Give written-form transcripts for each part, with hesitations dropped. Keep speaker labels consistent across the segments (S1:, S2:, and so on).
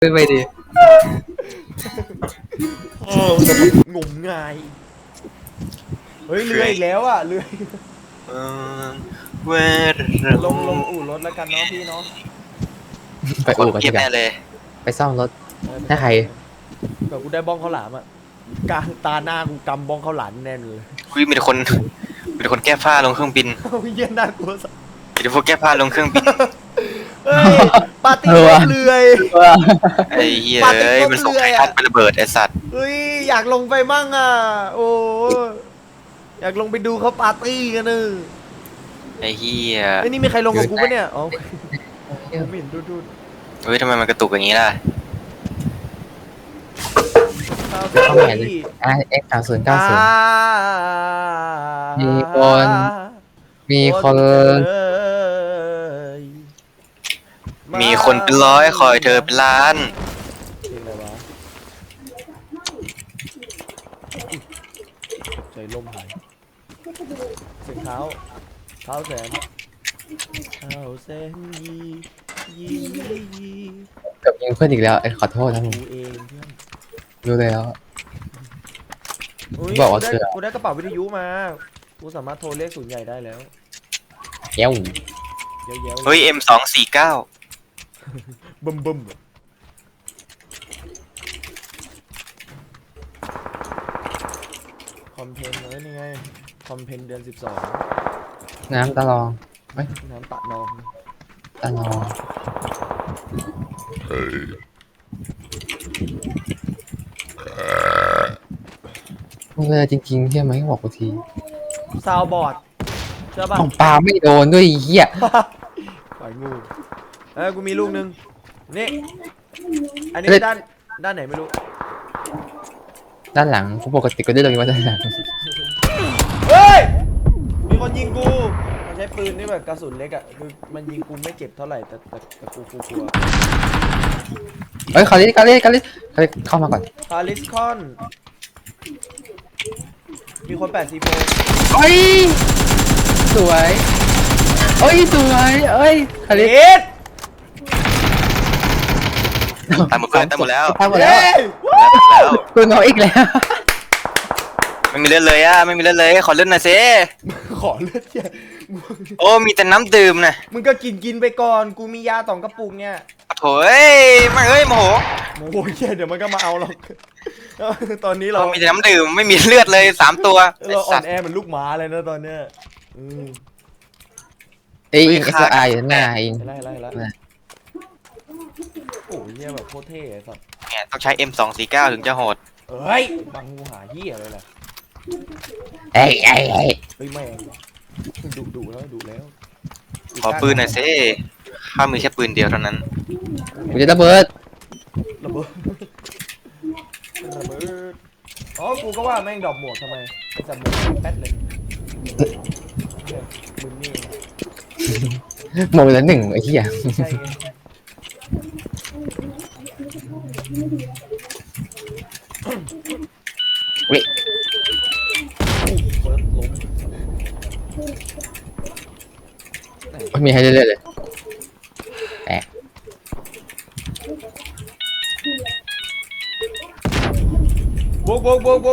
S1: ขึ้นไปดิ
S2: โอ้งมงายเฮ้ยเรืออีกแล้วอ่ะเรือ
S1: เออเวร
S2: ลงอู่รถแล้วกันเนาะพี่เนาะ
S3: ไปอู่กัน
S1: เที
S3: ดี
S1: ยบ
S3: กว่า
S1: แน่เลย
S3: ไปซ่อมรถ
S2: ไป
S3: ถ้าใคร
S2: เผื่อกูได้บ้องข้าวหลามอ่ะกลางตาหน้ากูกำบ้องข้าวหลามแน่นเลย
S1: อุ้ยมีแต่คนมีแต่คนแก้ผ้าลงเครื่องบิน
S2: เอาเยี่ยน่ากลัวสัส
S1: มีแต่พวกแก้ผ้าลงเครื่องบิน
S2: เฮ้ยปาร์ตี้รถเรือ
S1: ไอ้เหี้ย
S2: ปาร์ตี้
S1: เอ้ย
S2: รถ
S1: มันส่ง
S2: เรือ
S1: ไท
S2: อะ
S1: ทันไประเบิดไอ้สัตว์
S2: เฮ้ยอยากลงไปมั่งอ่ะโอ้อยากลงไปดูเขาปาร์ตี้กันเนอะ
S1: ไอ้เหี้ย
S2: ไอ้ยนี่มีใครลงกับกูปะเนี่ยอ๋อผมเห็นดู
S1: เฮ้ยทำไมมันกระตุกอย่างนี้ล่ะ
S2: ข้าว
S3: เข้าใหม่เลยX3090 มีคนมีคน
S1: มีคนเป็นร้อยคอยเธอเป็นล้าน
S2: เพลงอะไรวะใจล่มหายเสียงเท้าแสนยียี
S3: กับยิงเพื่อนอีกแล้วขอโทษนะผม
S2: กูเองเพื่อน
S3: รู้เลยแล้ว
S2: อุ๊ย
S3: บอกว่า
S2: กูได้
S3: เชื่อ
S2: กูได้กระเป๋าวิทยุมากูสามารถโทรเรียกศูนย์ใหญ่ได้แล้ว
S3: เย้ว
S2: เย้ยวๆ
S1: เฮ้ย M249
S2: บึ้มคอมเพนเลยนี่ไงคอมเพนเดือน
S3: น้ำตะลอง
S2: 12น้ำตะนอง
S3: ตะลองมึงเลยจริงๆใช่ไหมบอกกูที
S2: ซาวบอร์ดใช่ป่ะ
S3: ของปลาไม่โดนด้วยไอ้เหี้ย
S2: ปล่อยงูกูมีลูกนึงนี่อันนี้ด้านไหนไม่รู้
S3: ด้านหลังกูปกติก็ได้เลยว่าด้านหลัง
S2: เฮ้ยมีคนยิงกูมันใช้ปืนนี่แบบกระสุนเล็กอ่ะคือมันยิงกูไม่เจ็บเท่าไหร่แต่กูกลัว
S3: เฮ้ยคาริเข้ามาก่อน
S2: พาริสคอนมีคน8 C4
S3: เฮ้ยสวยเอ้ยสวยเอ้ยคาริ
S2: เอ็ด
S1: ตายหมดแล้วตายหมดแล้ว
S3: ตายหมดแล้ว
S1: แล้ว
S3: กูน้อยอีกแล้ว
S1: ไม่มีเลือดเลยอ่ะไม่มีเลือดเลยขอเลือดหน่อยสิ
S2: ขอเลือดเหี้ย
S1: โอ้มีแต่น้ำดื่มนะ
S2: มึงก็กินไปก่อนกูมียา2 กระปุกเนี่ย
S1: โถ่เอ้ยไม่เอ้ยโมโห
S2: โอ้ยเหี้ยเดี๋ยวมันก็มาเอาหรอกตอนนี้เรา
S1: เรามีแต่น้ำดื่มไม่มีเลือดเลย3 ตัวไอ้
S2: เราอ่อ
S1: สั
S2: น
S1: ตว์
S2: แอเหมือนลูกหมาเลยนะตอนเนี้ยอืม
S3: เอ้ยอิง SLR อยู่ข้างหน้าอิง
S2: เห็นแล้วโอ้ยเหี้ยแบบโคตรเท่ไอ้สัส
S1: เนี่ยต้องใช้ M249 ถึงจะโหด
S2: เอ้ยบังกูหาเหี้ยเลยแหละ
S3: เอ้ย
S2: เฮ้ยแม่งดุแล้ว
S1: ขอปืนหน่อยสิข้ามีแค่ปืนเดียวเท่านั้น
S3: กูจะระเบิด
S2: ระเบิดอ๋อกูก็ว่าแม่งดอกหมวกทำไมไอ้สัตว์หมวกแป๊ดเลยเนี่ยมึงนี่
S3: หมดแล้วหนึ่งไอ้เหี้ย
S2: ใช่ไง
S3: เว้ย
S2: เฟิร์สล้ม
S3: ไม่มีให้เรื่อยๆเลยแตก
S2: โบก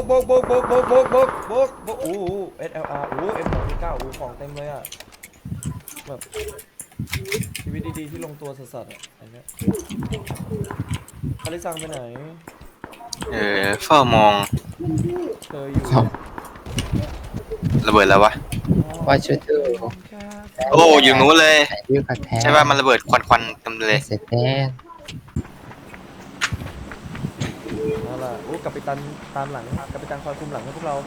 S2: โอ้โห SLR โอ้ M249 โอ้ของเต็มเลยอ่ะแบบชีวิตดีๆที่ลงตัวสัสๆอ่ะอันเนี้ยคาริซังไปไหน
S1: เฝ้ามอง
S2: เธออยู่
S3: ครับ
S1: ระเบิดแล้ววะ
S3: ว่าช่วยเธอ
S1: โอ้อยู่นู้นเลย
S3: ใส่วิวกระแทก
S1: ใช่ป่ะมันระเบิดควันๆเต็มเลย
S3: เสร็จแน่
S2: เอาล่ะโอ้กัปตันตามหลังกัปตันคอยคุมหลังให้พวกเรา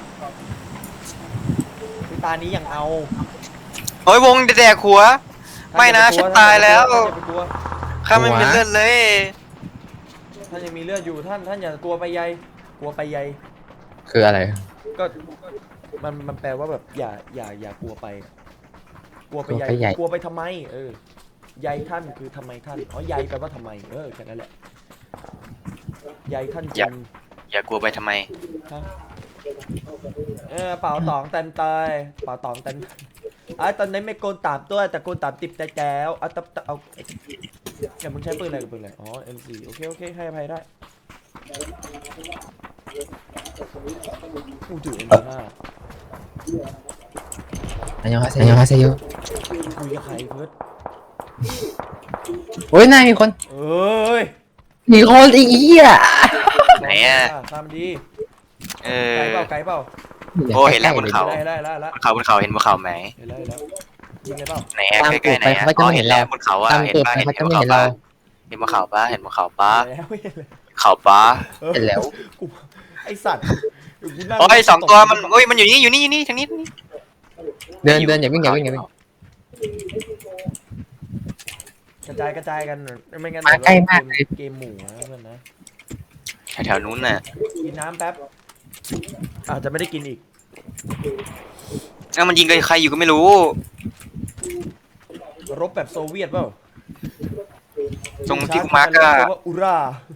S2: ตานี้ยังเอา
S1: โอ้ยวงแดกหัว ไม่นะฉันตายแล้ว
S2: ท่านอย่าไปกลัว
S1: ข้าไม่มีเลือดเลย
S2: ท่านยังมีเลือดอยู่ท่านอย่ากลัวไปใยกลัวไปใย
S3: คืออะไร
S2: ก็มันแปลว่าแบบอย่ากลัวไป กลัวไปใย
S3: กลัวไปใย
S2: กลัวไปทำไมใยท่านคือทำไมท่านอ๋อใยแปลว่าทำไมแค่นั้นแหละใยท่านจริง
S1: อย่ากลัวไปทำไม
S2: ฮะเป่าตองเต็มเตยเป่าตองเต็มตอนนี้ไม่โกนตามตัวแต่โกนตามติดแต่แก้วเอาอย่ามึงใช้ปืนอะไรกับปืนอะไรอ๋อ M4 โอเคให้อภัยได้กูถือ M5
S3: อันยองฮาเซโย
S2: คุยกับใครเพื่อน
S3: โอ้ยนายมีคน
S2: เอ้ย
S3: มีคนอีกอ่ะ
S1: ไหนอ่ะ
S2: ทำดี
S1: เอ
S2: ไกล
S1: อ
S2: เปล่า
S1: โอ้เห็นแล้วบนเขา
S2: ได้ละ
S1: บนเขาเห็นบนเขาไหม
S2: เห็นแล้วยิงเลยเปล่า
S1: ไหนอะใกล้ๆไหนอะอ๋อเห็นแล้วบนเขาอะ
S3: ตาม
S1: เห็น
S3: ตูด
S1: ปะ
S3: ไป
S1: เห็น
S3: เขา
S1: บ
S3: จะ
S1: น
S3: ไม่
S1: เขา
S3: เห็น
S1: ปะ
S3: เรา
S1: เห็นบนเขาปะเห็นบนเขาปะ
S2: แล้ว
S1: เขาปะ
S3: เห็นแล้ว
S2: กูไอสัตว์กูนั่ง
S1: โอ้ยสองตัวมันโอ้ยมันอยู่นี่ทางนี้
S3: เดินอย่าวิ่ง
S2: กระจายกันไม่งั้น
S3: มาใกล้มากเลย
S2: เกมหมู่นะเพื่อนนะ
S1: แถวๆนู้นน่ะ
S2: กินน้ำแป๊บอาจจะไม่ได้กินอีก
S1: แล้วมันยิงกับใครอยู่ก็ไม่รู้
S2: รบแบบโซเวียตเปล่า
S1: ตรงที่กูมาร์กก็
S2: ว่าอุรา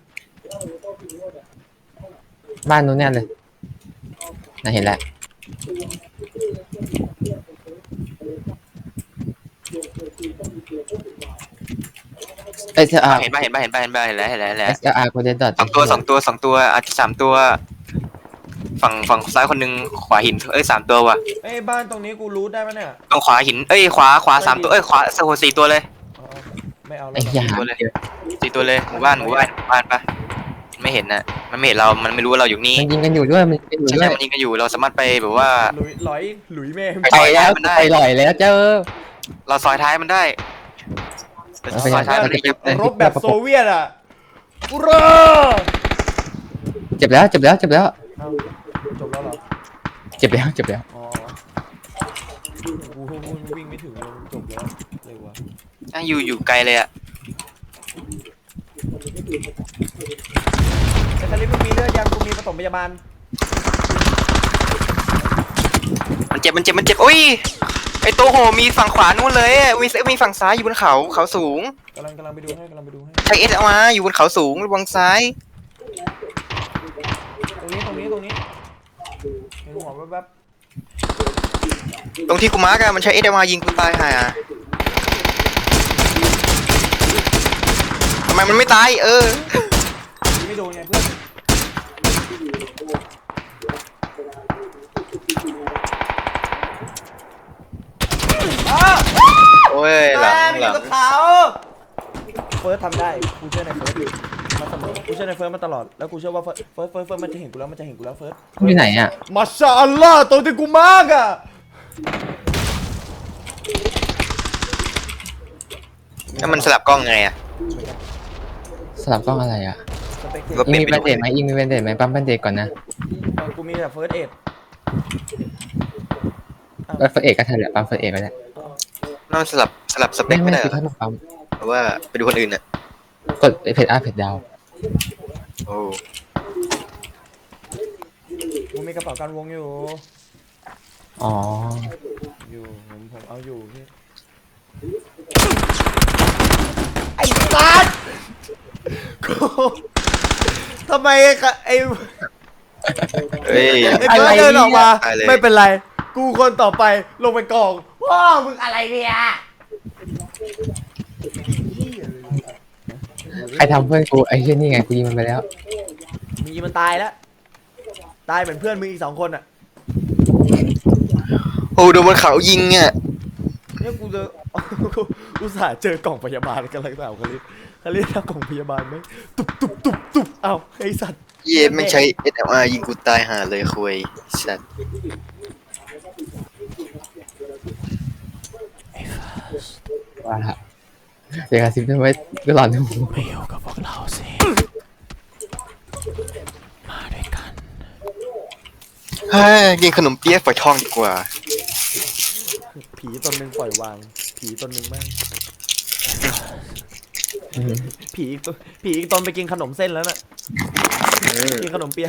S3: บ้านนู้นแน่เลยน่าเห็นแล้วSLR
S1: เห็นปะเห็นแล้ว
S3: SLR กูเดินต่อ
S1: สองตัวอาจจะ3 ตัวฝั่งซ้ายคนหนึงขวาหินเอ้ย3 ตัวว่ะ
S2: เอ้ยบ้านตรงนี้กูรู้ได้ปะเนี่ย
S1: ตรงขวาหินเอ้ยขวา3 ตัวเอ้ยขวา4 ตัวเลย
S2: อ๋อไม่เอาแล้
S3: ไอ้
S2: ว
S3: เหี้ย
S1: 4 ตัวเลยหมู่บ้านปะไม่เห็นน่ะมันไม่เห็นเรามันไม่รู้ว่าเราอยู่นี่
S3: มันยิงกันอยู่ด้วยมันยิงกันอยู่
S1: ใช่
S3: ด้วย
S1: มันยิงกันอยู่เราสามารถไปแบบว่า
S2: หลุยแม่ง
S3: ไปแล้วไปลอยแล้วเจ้า
S1: เราซอยท้ายมันได้เราซอยท้ายมันได้ยับเลย
S2: รบแบบโซเวียตอ่ะอุรา
S3: เจ็บแล้ว
S2: เอ้าจบแล้วเหรอ
S3: เจ็บแล้ว
S2: อ๋อกูวิ่งไม่ถึงเลยจบแล้วเลยวะ
S1: อยู่ไกลเลยอ่ะ
S2: ไอ้คาริสมึงมีเลือดยังกูมีปฐมพยาบาล
S1: มันเจ็บโอ้ยไอตัวโหมีฝั่งขวานู่นเลยมีฝั่งซ้ายอยู่บนเขาสูง
S2: กำลังไปดูให้
S1: ใช้เอสเอามาอยู่บนเขาสูงระวังซ้าย
S2: ตรงนี้เห็นหัวแป๊บ
S1: ตรงที่กูมาร์กอะมันใช้เอสเอามายิงกูตายห่าทำไมมันไม่ตาย
S2: ๆไม่โดนไงเพื่อนอ้าว
S1: โอ้ยหลัง
S2: อยู่กับเขาเฟิร์สทำได้กูเชื่อในเฟิร์สมาเสมอกูเชื่อในเฟิร์สมาตลอดแล้วกูเชื่อว่าเฟิร์สมันจะเห็นกูแล้วเฟิร์ส
S3: อยู่ไหนอ่ะ
S2: มาชาอัลลอฮ์ตัวที่กูมากอ่ะ
S1: แล้วมันสลับกล้องไงอะ
S3: สลับกล้องอะไรอ่ะ
S2: สเปกเต
S1: ก็
S2: อร์
S3: มีแบนเดตไหมมีแบนเดตไหมปั๊มแบนเดตก่อนนะ
S2: กูมีแต่เฟิร์สเอ็ด
S3: เฟิร์สเอกก็ทันแหละปั๊มเฟิร์สเอกก็ได้
S1: นั่นสลับสเปคไม่ได้
S3: คือ
S1: เหรอ
S3: ถ้าปั๊ม
S1: เพราะว่าไปดูคนอื่นอะ
S3: กดเพจอัพเพจดาว
S1: โอ้
S2: กูมีกระเป๋าการวงอยู่
S3: อ๋อ
S2: ผมเอาอยู่พี่ไอ้สัสกูทำไมไอ้
S1: เฮ้ย
S2: ไอ้เบิร์ดเดินออกมา
S1: ตายเลย
S2: ไม่เป็นไร กูคนต่อไปลงไปกองพ่อมึงอะไรเนี่ย
S3: ใครทำเพื่อนกูไอ้เช่นนี่ไงกูยิงมันไปแล้ว
S2: มีมันตายแล้วตายเหมือนเพื่อนมึงอีก2 คนอ่ะ
S1: โอ้โดนบนเขายิงอะ
S2: เนี่ยกูเจอ อุตส่าห์เจอกล่องพยาบาลกันเลยเปล่าคาริสเอากล่องพยาบาลไหมตุบเอ้าไอ้สัตว์
S1: เย็นไม่ใช้ SLR ยิงกูตายห่าเลยคุยสัตว์
S3: ว่าละเดี๋ยวกระซิบด้วยไว้ก็หลอนดู
S2: ไม่อยู่กับพวกเราสิมาด้วยกัน
S1: กินขนมเปี๊ยะฝอยทองดีกว่า
S2: ผีตนหนึ่งปล่อยวางผีตนหนึ่งแม่งผีอีกตนไปกินขนมเส้นแล้วน่ะกินขนมเปี๊ยะ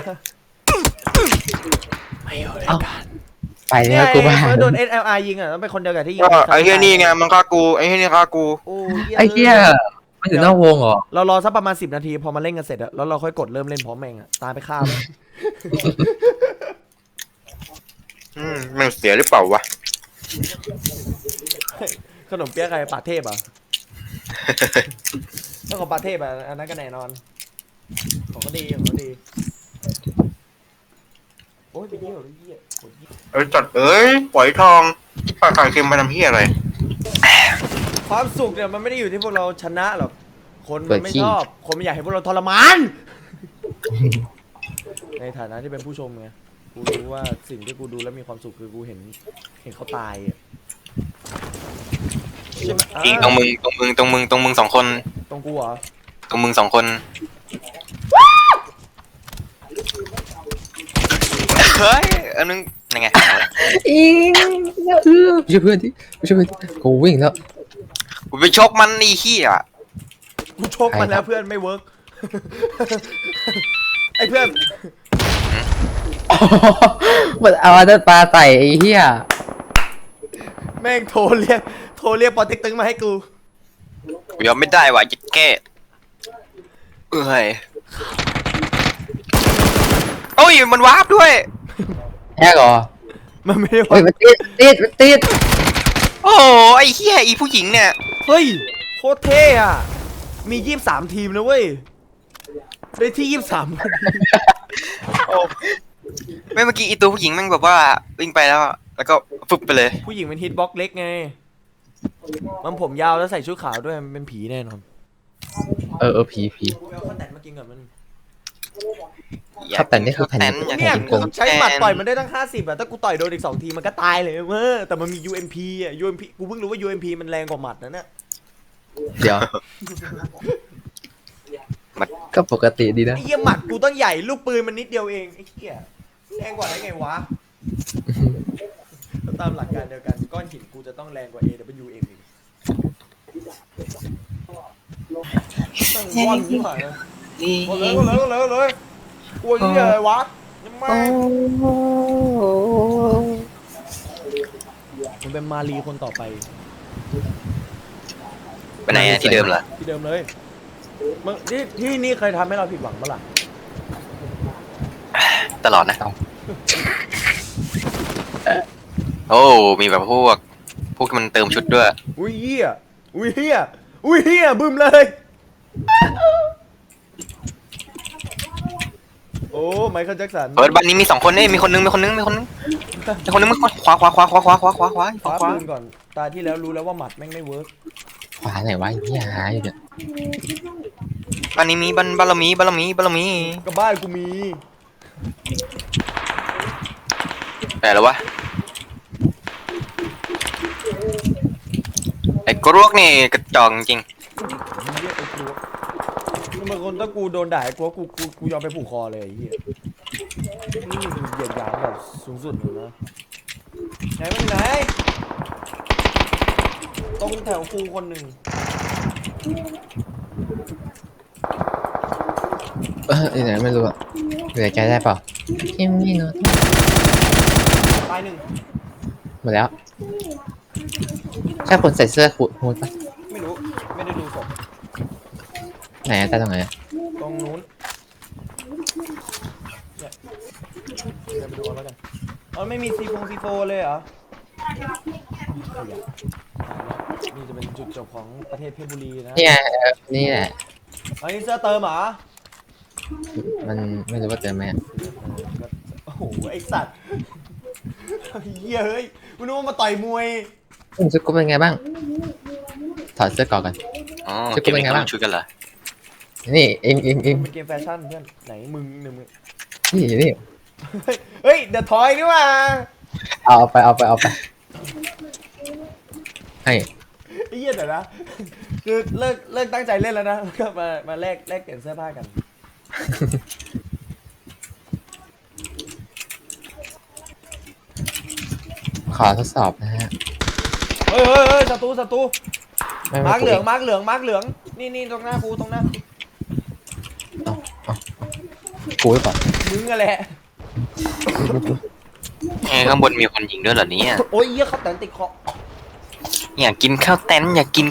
S2: ไม่อยู่ด้วยกัน
S3: ไปแล้วกูบ้า
S2: โดน SLR ยิงอ่ะต้องเป็นคนเดียวกับที่ยิง
S1: ก็ไอ้เหี้ยนี่ไงมันฆ่ากูไอ้เหี้ยนี่ฆ่ากู
S2: โอ้
S3: ไอ้เหี้ยมันอยู่นอกวงเหรอ
S2: เรารอสักประมาณ10 นาทีพอมาเล่นกันเสร็จอะแล้วเราค่อยกดเริ่มเล่นพร้อมแม่งอะตายไปฆ่ามัน
S1: มันเสียหรือเปล่าวะ
S2: ขนมเปี๊ยะใครป่าเทพอ่ะถ้าของป่าเทพอ่ะอันนั้นก็แน่นอนของก็ดีของก็ดีโอ้ยไปเยี่ยวเลยเยี่ยโอ้ยเยี่ย
S1: จัดเอ้ยปล่อยทองปลาไข่เค็มมาทำเฮียอะไร
S2: ความสุขเนี่ยมันไม่ได้อยู่ที่พวกเราชนะหรอกคนมันไม่ชอบคนมันอยากให้พวกเราทรมาน ในฐานะที่เป็นผู้ชมไงกูรู้ว่าสิ่งที่กูดูแล้วมีความสุขคือกูเห็นเขาตายอะใช่ไหม
S1: จริงตรงมึงสองคน
S2: ตรงกูเหรอ
S1: ตรงมึงสองคนเฮ้ยอันนึงยังไง
S3: อิงไม่ใช่เพื่อนที่ไม่ใช่เพื่อนที่กูวิ่งแล้ว
S1: กูไปชกมันนี่เฮีย
S2: กูชกมันแล้วเพื่อนไม่เวิร์ก ไอ้เพื่อน
S3: มันเอาอันนั้นปลาใส่ไอ้เหี้ย
S2: แม่งโทรเรียกปอติ๊กตึงมาให้กู
S1: กูยอมไม่ได้ว่ะจะแก้เอ้ยโอ้ยมันวาร์ปด้วย
S3: แฮกเหรอ
S2: มันไม่ได้
S3: เฮ้ย
S2: ว่า
S3: มันติด
S1: โอ้ไอ้เฮียอีผู้หญิงเนี่ย
S2: เฮ้ยโคตรเท่อะมี23ทีมนะเว้ยได้ที่23
S1: ไม่เมื่อกี้อีตัวผู้หญิงแม่งแบบว่าวิ่งไปแล้วก็ฟึบไปเลย
S2: ผู้หญิงเป็นฮิตบ็อกเล็กไงมันผมยาวแล้วใส่ชุดขาวด้วยมันเป็นผีแน่นอน
S3: ผี
S2: กูเอาข้าวแตนมากินก่อนมัน
S3: ครับแต่นี่คือแผ่น
S1: อยาก
S2: เนี่ย
S1: กิน
S2: กู
S1: ข้าว
S2: ใช้หมัด
S1: แตน
S2: ต่อยมันได้ตั้ง50อะถ้ากูต่อยโดนอีก2ทีมันก็ตายเลยเว้ยแต่มันมี UMP อะ UMP กูเพิ่งรู้ว่า UMP มันแรงกว่าหมัดนะเนี่ย
S3: เดี๋ยวก็ปกติดีนะ
S2: ไอ้เหี้ยหมัดกูต้องใหญ่ลูกปืนมันนิดเดียวเองไอ้เหี้ยแรงกว่าได้ไงวะตามหลักการเดียวกันก้อนหินกูจะต้องแรงกว่า AWM อีกตั้งว่อนที่ไหนอะเลยกลัวยี่อะไรวะยังไม่มันเป็นมารีคนต่อไป
S1: ไปไหนอะที่เดิมเหรอ
S2: ที่เดิมเลยมึงที่นี่เคยทำให้เราผิดหวังเมื่อไหร่
S1: ตลอดนะโอ้มีแบบพวกที่มันเติมชุดด้วย
S2: อุ้ยเหี้ยบึ้มเลยโอ้ไมเคิลแจ็คสัน
S1: เปิดบ้านนี้มี2คนเนี่ยมีคนนึงมันขวา
S2: ปืนก่อนตาที่แล้วรู้แล้วว่าหมัดแม่งไม่เวิร์ก
S3: ขวาไหนวะไอ้เหี้ยหาอยู่เนี่ย
S1: บ้านนี้มีบารมี
S2: กับบ้านกูมี
S1: แต่แล้ววะไอ้กรวกนี่กระจอกจริง
S2: เหี้ยไอ้กลัวบางคนถ้ากูโดนด่าไอ้กลัวกูยอมไปผูกคอเลยไอ้เหี้ยนี่คือเหยียดหยามแบบสูงสุดเลยนะไหนมันไหนตรงแถวกูคนหนึ่ง
S3: ไหนไม่รู้อะเหลือใจได้เปล่าเกมนี่เนาะ
S2: ตายหนึ่ง
S3: หมดแล้วใช่คนใส่เสื้อฮูดปะ
S2: ไม่รู้ไม่ได้ดูศพ
S3: ไหนอะตาตรงไหนอะ
S2: ตรงนู้นเนี่ยเดี๋ยวไปดูเอาแล้วกันอ๋อไม่มีซีโฟเลยเหรอขยะนี่จะเป็นจุดจบของประเทศเพชรบุรีนะ
S3: เนี่ยนี่แหละ
S2: อันนี้เสื้อเติมเหรอ
S3: มันไม่รู้ว่าเจอไหมอะ
S2: โอ้โหไอสัตว์เหี้ยเฮ้ยกูนึกว่ามาต่อยมวย
S3: ชุดกูเป็นไงบ้างถอดเสื้อก่อนกัน
S1: อ๋อ
S3: ชุดกูเป็นไงบ้าง
S1: ชุดกันเหรอ
S3: นี่เอง
S2: เป็นเกมแฟชั่นเพื่อนไหนมึง
S3: นี่
S2: เฮ้ยเดอะทอยนี่ว่า
S3: เอาไปให้
S2: ไอ้เหี้ยเดี๋ยวนะคือเลิกตั้งใจเล่นแล้วนะแล้วก็มาแลกเปลี่ยนเสื้อผ้ากัน
S3: ขอทดสอบนะฮะ
S2: เฮ้ยศัตรู
S3: ไม่
S2: มาร์กเหลือง
S3: กู
S2: มาร์กเหลืองนี่ตรงหน้ากู
S3: กูหรือเปล่า
S2: มึงอะแหละ
S1: ข้างบนมีคนยิงด้วยเหรอเนี่ย
S2: โอ้ยเหี้ยเขาแตนติดคอ
S1: อยากกินข้าวแตน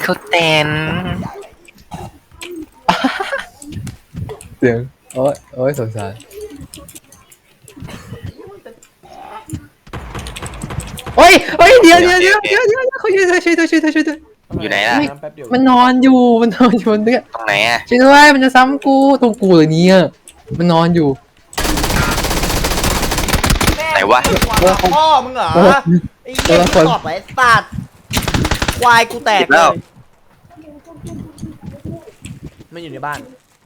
S3: เสียงโอ้ยสงสารโอ้ยโอ้ยเดี๋ยวเขาช่วยด้วย
S1: อยู่ไหนล่ะ
S2: แป๊บเดียว
S3: มันนอนอยู่บนเนื้อ
S1: ตรงไหนอ่ะ
S3: ช่วยด้วยมันจะซ้ำกูตรงกูเลยเนี่ยมันนอนอยู่
S1: ไหนวะ
S2: พ่อมึงเหรอไอ้เหี้ยที่ตอบไอ้สัตว์ควายกูแตกเลยมันอยู่ในบ้าน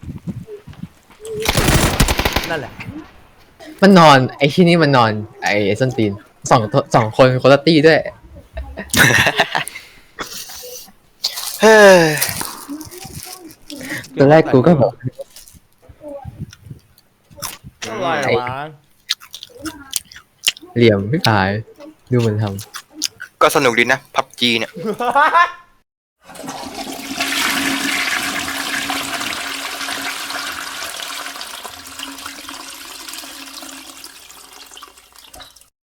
S2: นั่นแหละ
S3: มันนอนไอ้ที่นี่มันนอนไอ้ส้นตีนสองคนคนละตีด้วย
S1: เฮ้ย
S3: ตอนแรกกูก็บอก
S2: อะไรวะ
S3: เหลี่ยมพี่พายดูมันท
S1: ก็สนุกดีนะพับจีเนี่ย
S2: เ